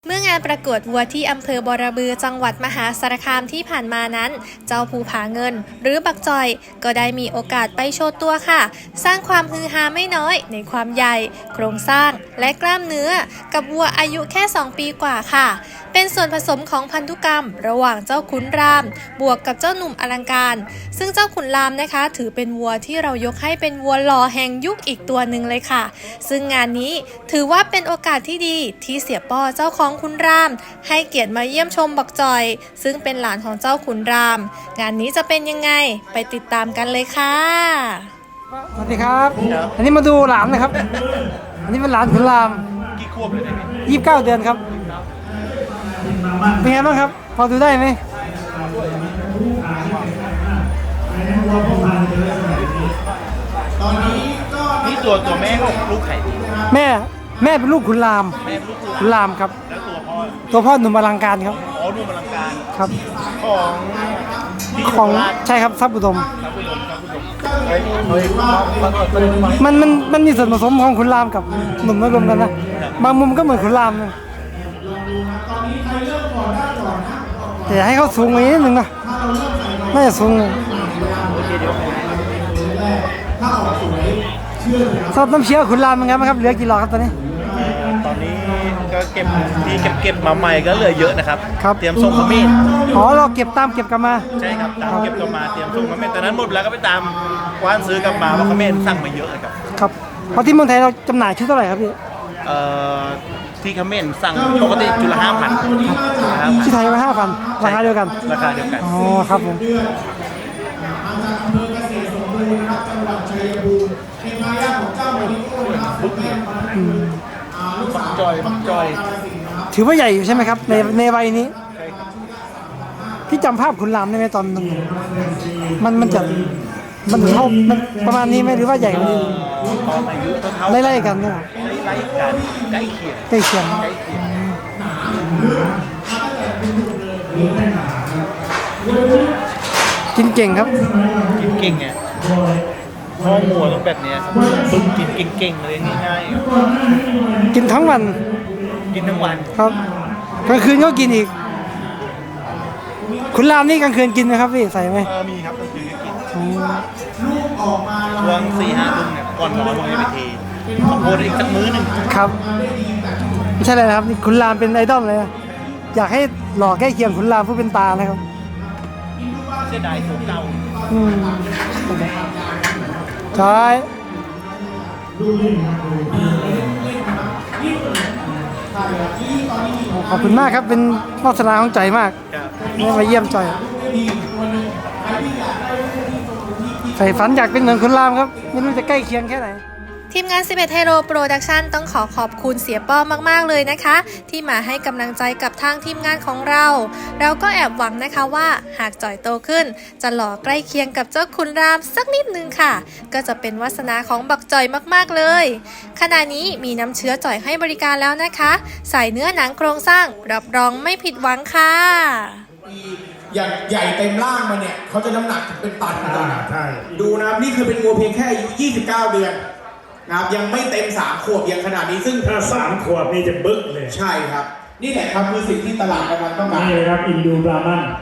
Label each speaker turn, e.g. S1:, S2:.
S1: เมื่องานประกวดวัวที่อำเภอบอระบือจังหวัดมหาสารคามที่ผ่านมานั้น เจ้าภูผาเงินหรือบักจอยก็ได้มีโอกาสไปโชว์ตัวค่ะสร้างความฮือฮาไม่น้อยในความใหญ่โครงสร้างและกล้ามเนื้อกับวัวอายุแค่2 ปีกว่าค่ะเป็นส่วนผสมของพันธุกรรมระหว่างเจ้าขุนรามบวกกับเจ้าหนุ่มอลังการซึ่งเจ้าขุนรามนะคะถือเป็นวัวที่เรายกให้เป็นวัวหล่อแห่งยุคอีกตัวหนึ่งเลยค่ะซึ่งงานนี้ถือว่าเป็นโอกาสที่ดีที่เสียป้อเจ้าของขุนรามให้เกียรติมาเยี่ยมชมบักจอยซึ่งเป็นหลานของเจ้าขุนรามงานนี้จะเป็นยังไงไปติดตามกันเลยค่ะ
S2: สวัสดีครับอันนี้มาดูหลานนะครับอันนี้เป็นหลานขุนราม
S3: กี่ขวบเลยเนี่ย
S2: 29 เดือนครับเป็นไงบ้างครับพอดูได้ไหม
S3: ตอนนี้ก็นี่ตัวแม่ของลูกไข่ดี
S2: แม่เป็นลูกขุนราม
S3: แม่ลูก
S2: ขุนรามครับ
S3: แล้ว
S2: ตัวพ่อหนุ่มอลังการครับ
S3: อ๋อหนุ่มอลังการ
S2: ครับ
S3: ของ
S2: ใช่ครับทรัพย์อุดม
S3: มั
S2: นมีส่วนผสมของขุนรามกับหนุ่มมารวมกันนะบางมุมก็เหมือนขุนรามนะแต่ให้เขาสูงกว่านี้นิดนึงนะน่าจะสูงสอบน้ำเชี่ยวขุนรามเป็นไงบ้างครับเหลือกี่หลอดครับตอนนี้
S3: ก็เก็บมาใหม่ก็เหลือเยอะนะครับเตรียมส่งมาเมน
S2: เราเก็บกลับมา
S3: ใช่ครับตามเก็บกลับมาเตรียมส่งมาเมนตอนนั้นหมดแล้วก็ไปตามกว้านซื้อกลับมาเพราะเขาเมนสั่งมาเยอะเลย
S2: ครับเพราะที่เมืองไทยเราจำหน่ายชุดเท่าไหร่ครับพี่
S3: ที่คอมเมนต์สั่งปกติจุละ5,000
S2: ที่ไทยมา5,000ราคาเดียวกันอ๋อครับผม
S3: บักจอย
S2: ถือว่าใหญ่อยู่ใช่ไหมครับในวัยนี้พี่จำภาพขุนรามได้ไหมตอนนึงมันเท่ามันประมาณนี้ไหมหรือว่าใหญ่กว่านี้ไล่กันเนี่ย
S3: ใกล้เคียง
S2: กินเก่งครับ
S3: กินเก่งไงห้องหัวต้องแบบนี้ฝึกกินเก่งๆเลยง่าย
S2: กินทั้งวันครับกลางคืนก็กินอีกขุนรามนี่กลางคืนกินไหมครับพี่ใส่ไหม
S3: มีครับกลางคืนก็กินช่วง4-5 ทุ่มเนี่ยก่อนนอนผมจะไปเทขอโทษอีกสักมื้อนึง
S2: ครับไม่ใช่เลยนะครับนี่ขุนรามเป็นไอดอลเลยอยากให้หล่อใกล้เคียงขุนรามผู้เป็นตานะครับ
S3: เสียดายตัวเก่า
S2: ใช่ขอบคุณมากครับเป็นวาสนาของใจมากได้มาเยี่ยมจอยใฝ่ฝันอยากเป็นเหมือนขุนรามครับไม่รู้จะใกล้เคียงแค่ไหน
S1: ทีมงาน11 Hero Production ต้องขอบคุณเสียป้อมากๆเลยนะคะที่มาให้กำลังใจกับทางทีมงานของเราก็แอบหวังนะคะว่าหากจ่อยโตขึ้นจะหล่อใกล้เคียงกับเจ้าขุนรามสักนิดนึงค่ะก็จะเป็นวาสนาของบักจ่อยมากๆเลยขณะนี้มีน้ำเชื้อจ่อยให้บริการแล้วนะคะใส่เนื้อหนังโครงสร้างรับรองไม่ผิดหวังค่ะ
S4: อย่างใหญ่เต็มร่างมาเนี่ยเขาจะน้ำหนักถึงเป็นตันเลยนะใช่ดูนะครับนี่คือเป็นวัวเพียงแค่อายุ29 เดือนนะครับยังไม่เต็ม3 ขวบยังขนาดนี้ซึ่ง
S5: ถ้า3 ขวบนี่จะบึ้กเลย
S4: ใช่ครับนี่แหละครับคือสิ่งที่ตลาดกำลังต้องการ
S5: นี่ครับอินดูบรามัน